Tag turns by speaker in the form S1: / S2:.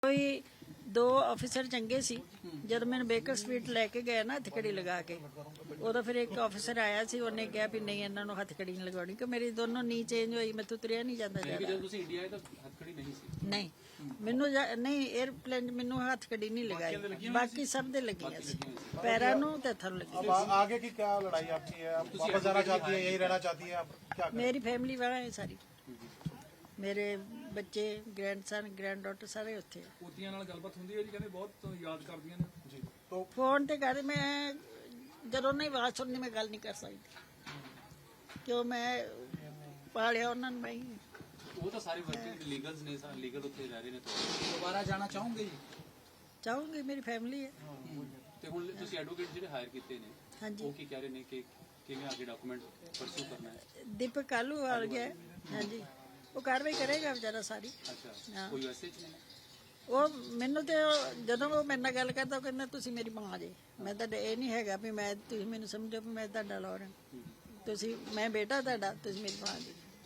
S1: ਕੋਈ ਦੋ ਅਫਸਰ ਚੰਗੇ ਸੀ। ਜਦ ਮੈਨੂੰ ਬੇਕਰ ਸਟਰੀਟ ਲੈ ਕੇ ਗਏ ਨਾ ਹੱਥਕੜੀ ਲਗਾ ਕੇ, ਉਦੋਂ ਫਿਰ ਇੱਕ ਅਫਸਰ ਆਇਆ ਸੀ, ਉਹਨੇ ਕਿਹਾ ਵੀ ਨਹੀਂ ਇਹਨਾਂ ਨੂੰ ਹੱਥਕੜੀ ਨਹੀਂ ਲਗਾਉਣੀ ਕਿ ਮੇਰੀ ਦੋਨੋਂ ਨੀ ਚੇਂਜ ਹੋਈ, ਮੈਥੋਂ ਤੁਰਿਆ ਨਹੀਂ ਜਾਂਦਾ ਜ਼ਿਆਦਾ।
S2: ਜਦੋਂ ਤੁਸੀਂ ਇੰਡੀਆ ਆਏ ਤਾਂ ਹੱਥਕੜੀ ਨਹੀਂ ਸੀ?
S1: ਨਹੀਂ, ਮੈਨੂੰ ਨਹੀਂ 에ਅਰਪਲੇਨ ਮੈਨੂੰ ਹੱਥਕੜੀ ਨਹੀਂ ਲਗਾਈ, ਬਾਕੀ ਸਭ ਦੇ ਲੱਗੀਆਂ ਸੀ, ਪੈਰਾਂ ਨੂੰ ਤੇ ਹੱਥਾਂ ਨੂੰ ਲੱਗੀ।
S3: आगे की क्या लड़ाई आपकी है? आप वापस जाना चाहती है, यही रहना चाहती है? आप क्या करें?
S1: ਮੇਰੀ ਫੈमिली ਵਾਲਾ ਹੈ ਸਾਰੀ, ਮੇਰੇ ਬੱਚੇ, ਗ੍ਰੈਂਡਸਨ, ਗ੍ਰੈਂਡ ਡਾਟਰ ਸਾਰੇ ਉੱਥੇ ਆ।
S4: ਪੋਤੀਆਂ ਨਾਲ ਗੱਲਬਾਤ ਹੁੰਦੀ ਹੈ ਜੀ, ਕਹਿੰਦੇ ਬਹੁਤ ਯਾਦ ਕਰਦੀਆਂ ਨੇ
S3: जी तो
S1: ਫੋਨ ਤੇ ਕਰ, ਮੈਂ ਜਦੋਂ ਨਹੀਂ ਆਵਾਜ਼ ਸੁਣਨੀ ਮੈਂ ਗੱਲ ਨਹੀਂ ਕਰ ਸਕਦੀ, ਕਿਉਂ ਮੈਂ ਪਾਲਿਆ ਉਹਨਾਂ ਨੂੰ। ਮੈਂ ਹੀ
S2: ਉਹ ਤਾਂ ਸਾਰੇ ਵਰਕਿੰਗ ਲੀਗਲਸ ਨੇ, ਲੀਗਲ ਉੱਥੇ ਰਹਿ ਰਹੇ ਨੇ।
S4: ਦੁਬਾਰਾ ਜਾਣਾ ਚਾਹੋਗੇ ਜੀ?
S1: ਚਾਹੂੰਗੀ, ਮੇਰੀ ਫੈमिली ਹੈ।
S2: ਤੇ ਹੁਣ ਤੁਸੀਂ ਐਡਵੋਕੇਟ ਜਿਹੜੇ ਹਾਇਰ ਕੀਤੇ ਨੇ,
S1: ਹਾਂਜੀ,
S2: ਉਹ ਕੀ ਕਹਿ ਰਹੇ ਨੇ ਕਿ ਕਿਵੇਂ ਅੱਗੇ ਡਾਕੂਮੈਂਟ ਪਰਸੂ ਕਰਨਾ ਹੈ?
S1: ਦੀਪਕ ਕਾਲੂ ਆ ਗਿਆ ਹੈ। ਹਾਂਜੀ, ਉਹ ਕਾਰਵਾਈ ਕਰੇਗਾ ਵਿਚਾਰਾ ਸਾਰੀ।
S2: ਅੱਛਾ,
S1: ਹਾਂ।
S2: ਕੋਈ ਵੈਸੇ ਚ ਨਹੀਂ?
S1: ਉਹ ਮੈਨੂੰ ਤੇ ਜਦੋਂ ਉਹ ਮੇਰੇ ਨਾਲ ਗੱਲ ਕਰਦਾ ਉਹ ਕਹਿੰਦਾ ਤੁਸੀਂ ਮੇਰੀ ਮਾਂ ਜੇ। ਮੈਂ ਤਾਂ ਇਹ ਨਹੀਂ ਹੈਗਾ ਵੀ ਮੈਂ, ਤੁਸੀਂ ਮੈਨੂੰ ਸਮਝੋ ਵੀ ਮੈਂ ਤੁਹਾਡਾ ਲੌਰ ਹਾਂ, ਤੁਸੀਂ, ਮੈਂ ਬੇਟਾ ਤੁਹਾਡਾ, ਤੁਸੀਂ ਮੇਰੀ ਮਾਂ ਜੀ।